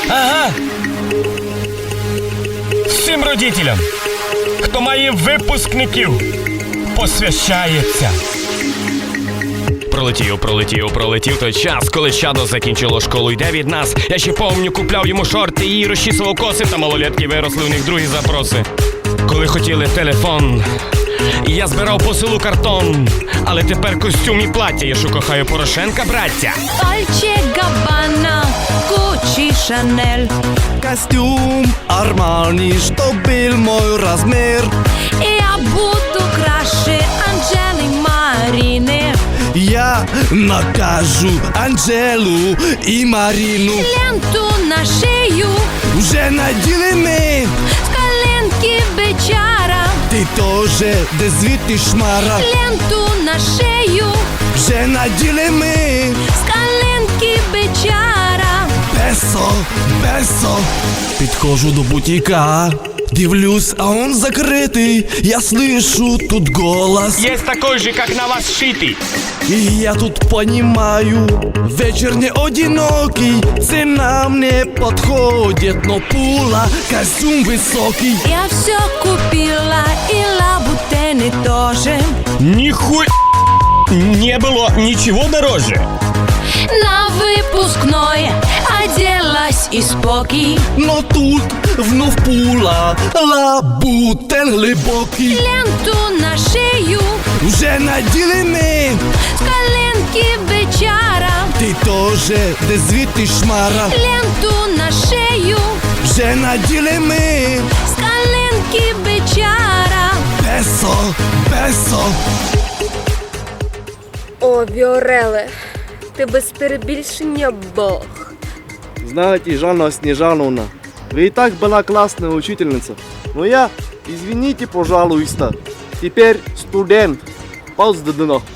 Ага. Всім родителям, хто має випускників, посвящається. Пролетів той час, коли чадо закінчило школу, йде від нас. Я ще помню, купляв йому шорти і розчісував коси, та малолетки виросли, у них другі запроси. Коли хотіли телефон, і я збирав по селу картон. Але тепер костюм і плаття, я що кохаю Порошенка, браття. Dolce Gabbana, Gucci, Chanel. Костюм Армани, что был мой размер. Я буду краше Анжели Марины. Я накажу Анжелу и Марину. Ленту на шею, Уже надели мы, с коленки бичара. ты тоже дезвити шмара. Ленту на шею, Уже надели мы, с коленки бичара. бесо, бесо. Підходжу до бутика, дивлюсь, а он закритий. Я слышу тут голос. Є такой же, как на вас шитий. И я тут понимаю, вечер не одинокий. Цена мне подходит, но пула, костюм высокий. Я все купила и лабутены тоже. Нихуй не было ничего дороже. На выпускной оделась и спокій. Но тут вновь пула, лабутен глибокий. Ленту на шею, Уже наділи ми, с коленки бичара. ти тоже дезвити шмара. Ленту на шею, Вже наділи ми, с коленки бичара. бесо, бесо. О, Віореле, ти без перебільшення Бог. Знаете, Жанна Снежановна, вы и так была классная учительница. Но я, извините, пожалуйста, теперь студент. Пауз до дно.